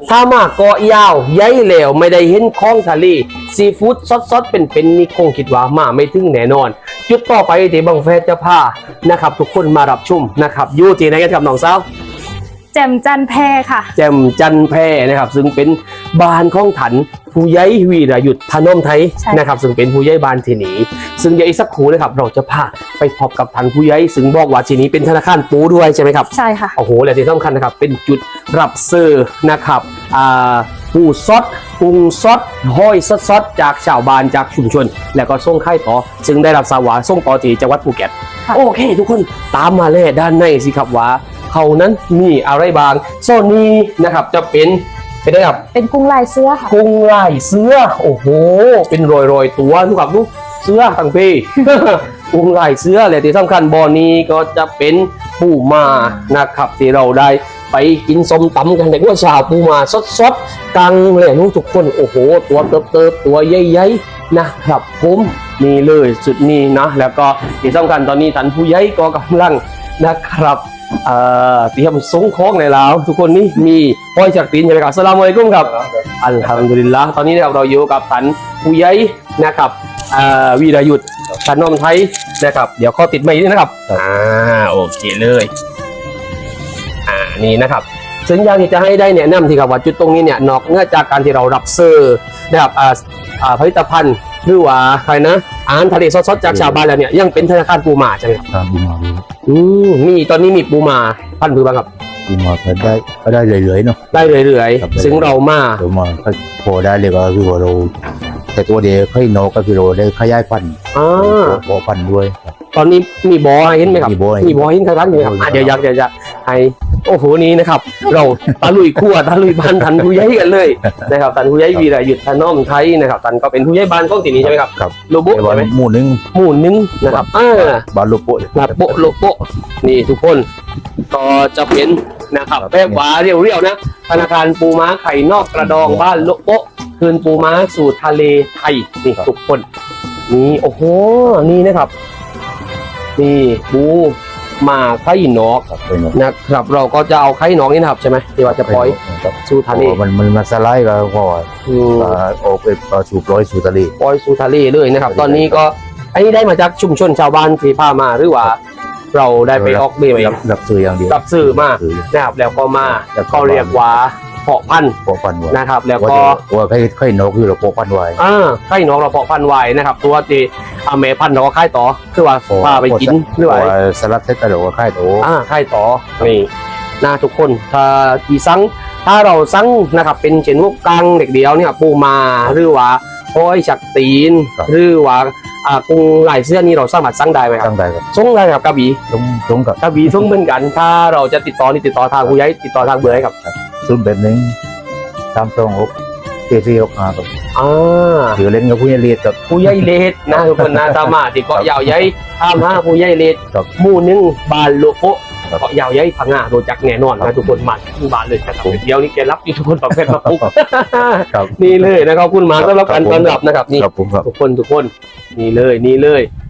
ถ้ามาเกาะยาวย้ายเหลวไม่ได้เห็นคลองทะเลซีฟู้ดซดๆเป็นนี่คงคิดว่ามาไม่ถึงแน่นอนจุดต่อไปที่บังแฟจะพานะครับทุกคนมารับชมนะครับอยู่ที่ไหนกันครับน้องสาวแจ่มจันแพค่ะแจ่มจันแพนะครับซึ่งเป็นบ้านของถันผู้ใหญ่วีรยุทธธนมไทยนะครับซึ่งเป็นผู้ใหญ่บ้านที่นี้ซึ่งเดี๋ยวอีกสักครู่นะครับเราจะพาไปพบกับถันผู้ใหญ่ซึ่งบอกว่าที่นี้เป็นธนาคารปูด้วยใช่ไหมครับใช่ค่ะโอ้โหและที่สำคัญนะครับเป็นจุดรับซื้อนะครับปูซดปรุงซดห้อยซดจากชาวบ้านจากชุมชนแล้วก็ส่งค่ายต่อซึ่งได้รับสาวาส่งต่อที่จังหวัดภูเก็ตโอเคทุกคนตามมาเลยด้านในสิครับว่าเขานั้นมีอะไรบางโซนนี้นะครับจะเป็นได้ครับเป็นกุ้งลายเสื้อค่ะกุ้งลายเสื้อโอ้โหเป็นรอยตัวทุกครับลูกเสื้อทั้งปี กุ้งลายเสื้อและที่สำคัญบ่อนี้ก็จะเป็นปูมานะครับที่เราได้ไปกินส้มตำกันแต่ว่าชาวปูมาสดกังเลยลูกทุกคนโอ้โหตัวเติบตัวใหญ่ๆนะครับผมนี่เลยสุดนี้นะแล้วก็ที่สำคัญตอนนี้ท่านผู้ใหญ่ก็กำลังนะครับเตรียมส่งของในแล้วทุกคนนี่มีห้อยจากตีนใช่ไหมครับอัสสลามุอะลัยกุมครับอัลฮัมดุลิลละห์ตอนนี้เราอยู่กับท่านผู้ใหญ่นะครับวีรยุทธธนมไทยนะครับเดี๋ยวข้อติดไม้นี่นะครับโอเคเลยนี่นะครับซึ่งอย่างที่จะให้ได้แนะนำที่ครับว่าจุดตรงนี้เนี่ยนอกเหนือจากการที่เรารับซื้อนะครับผลิตภัณฑ์หรือว่าใครนะอาหารทะเลสดๆจากชาวบ้านแล้วเนี่ยยังเป็นธนาคารปูมาใช่ไหมครับปูมามีตอนนี้มีปูมาพันธุ์บ้างครับปูมาก็ได้เรื่อยๆเนาะได้เรื่อยๆซึ่งเรามาพอได้เลยก็คือว่าเราแต่ตัวเดียวค่อยนกก็คือเราได้ขยายพันธุ์บ่อพันธุ์ด้วยตอนนี้มีบ่อเห็นไหมครับมีบ่อเห็นใครบ้างไหมครับเดี๋ยวอยากจะให้โอ้โหนี้นะครับเราตะลุยขั้วตะลุยบ้านทันผู้ใหญ่กันเลยนะครับทันผู้ใหญ่วีรยุทธธนมไทยนะครับทันก็เป็นผู้ใหญ่บ้านของที่นี้ใช่ไหมครับโลโบใช่ไหมหมู่หนึ่งนะครับบ้านโลโบโลโบนี่ทุกคนก็จะเป็นนะครับแบบว่าเรียวๆนะธนาคารปูม้าไข่นอกกระดองบ้านโลโบคืนปูม้าสู่ทะเลไทยนี่ทุกคนนี่โอ้โหนี่นะครับนี่ปูมาไข่นอกนะครับเราก็จะเอาไข่นอกนี่นะครับใช่ไหมที่ว่าจะปล่อยสู่ทะเลมันมาสไลด์ก็พอออกไปสู่ปล่อยสู่ทะเลปล่อยสู่ทะเลเลยนะครับตอนนี้ก็อันนี้ได้มาจากชุมชนชาวบ้านที่พามาหรือว่าเราได้ไปออกเบี้ยรับซื้ออย่างเดียวรับซื้อมานะครับแล้วก็มาเขาเรียกว่าเพาะพันธุ์นะครับแล้วก็ไข่นกคือเราเพาะพันธุ์ไว้ไข่นกเราเพาะพันธุ์ไว้นะครับตัวที่แม่พันธุ์เราก็ค่ายต่อคือว่าพาไปกินหรือว่าสลัดเทสต์เราก็ค่ายต่อค่ายต่อนี่นะทุกคนถ้าที่สั่งถ้าเราสั่งนะครับเป็นเช่นพวกกังเด็กเดียวเนี่ยปูมาหรือว่าห้อยฉักตีนหรือว่ากุ้งลายเสื้อนี่เราสามารถสั่งได้ไหมครับสั่งได้ครับส่งได้ครับกระบี่ส่งกับกระบี่ส่งเหมือนกันถ้าเราจะติดต่อทางผู้ใหญ่ติดต่อทางเบอร์ให้ครับ 081 326 4465ครับถือเล่นกับผู้ใหญ่เลดกับผู้ใหญ่เลดนะทุกคนนะสามารถติดเกาะยาวใหญ่5ผู้ใหญ่เลดหมู่หนึ่งบ้านโลโก้เกาะยาวใหญ่พังงาโดนจักแน่นอนนะทุกคนมาที่บ้านเลยนะครับเดี๋ยวนี้แกรับทุกคนประเภทมาปุ๊บนี่เลยนะครับคุณมาต้อนรับการต้อนรับนะครับนี่ทุกคนนี่เลย